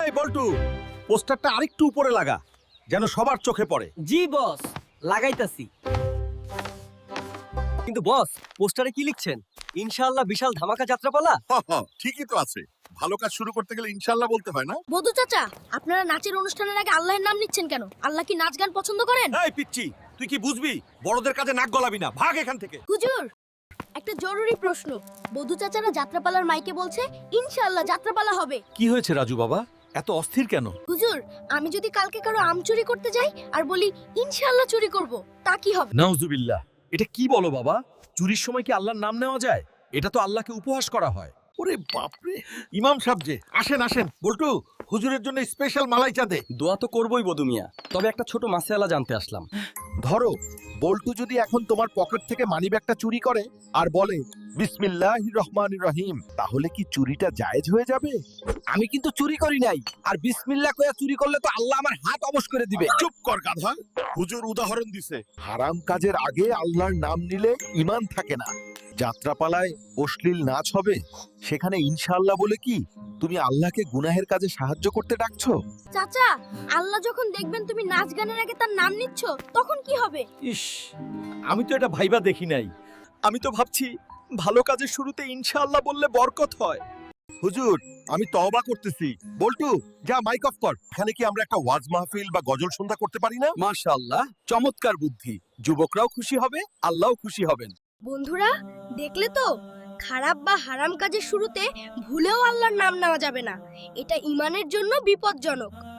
এই বল্টু, পোস্টারটা আরেকটু উপরে লাগা, যেন সবার চোখে পড়ে। জি বস, লাগাইতাছি। কিন্তু বস, পোস্টারে কি লিখছেন? ইনশাআল্লাহ বিশাল ধামাকা যাত্রাপালা। ঠিকই তো আছে। ভালো কাজ শুরু করতে গেলে ইনশাআল্লাহ বলতে হয় না? বধু চাচা, আপনারা নাচের অনুষ্ঠানের আগে আল্লাহর নাম নিচ্ছেন কেন? আল্লাহ কি নাচ গান পছন্দ করেন? এই পিচ্চি, তুই কি বুঝবি? বড়দের কাছে নাক গলাবি না, ভাগ এখান থেকে। হুজুর, একটা জরুরি প্রশ্ন। বধু চাচারা যাত্রাপালার মাইকে বলছে ইনশাআল্লাহ যাত্রাপালা হবে। কি হয়েছে রাজু বাবা, এত অস্থির কেন? হুজুর, আমি যদি কালকে কারো আম চুরি করতে যাই আর বলি ইনশাআল্লাহ চুরি করব, তা কি হবে? নাউজুবিল্লাহ, এটা কি বলো বাবা? চুরির সময় কি আল্লাহর নাম নেওয়া যায়? এটা তো আল্লাহকে উপহাস করা হয়। ওরে বাপরে, ইমাম সাহেব যে, আসেন আসেন। বল্টু, হুজুরের জন্য স্পেশাল মালাই চা দে। দোয়া তো করবই বধু মিয়া, তবে একটা ছোট মাসআলা জানতে আসলাম। ধরো, বল্টু যদি এখন তোমার পকেট থেকে মানিব্যাগটা চুরি করে আর বলে বিসমিল্লাহির রহমানির রহিম, তাহলে কি চুরিটা জায়েজ হয়ে যাবে? আমি কিন্তু চুরি করি নাই, আর বিসমিল্লাহ কইয়া চুরি করলে তো আল্লাহ আমার হাত অবশ করে দিবে। চুপ কর গাধা। হুজুর উদাহরণ দিছে, হারাম কাজের আগে আল্লাহর নাম নিলে ঈমান থাকে না। যাত্রাপালায় অশ্লীল নাচ হবে, সেখানে ইনশাআল্লাহ বলে কি তুমি আল্লাহকে গুনাহের কাজে সাহায্য করতে ডাকছো? চাচা, আল্লাহ যখন দেখবেন তুমি নাচ গানের আগে তার নাম নিচ্ছ, তখন কি হবে? ইস, আমি তো এটা ভাইবা দেখি নাই। আমি তো ভাবছি ভালো কাজের শুরুতে ইনশাআল্লাহ বললে বরকত হয়। হুজুর, আমি তওবা করতেছি। বল্টু, যা মাইক অফ কর। এখানে কি আমরা একটা ওয়াজ মাহফিল বা গজল সন্ধ্যা করতে পারি না? মাশাআল্লাহ, চমৎকার বুদ্ধি। যুবকরাও খুশি হবে, আল্লাহও খুশি হবেন। বন্ধুরা, দেখলে তো, খারাপ বা হারাম কাজের শুরুতে ভুলেও আল্লাহর নাম নেওয়া যাবে না। এটা ঈমানের জন্য বিপজ্জনক।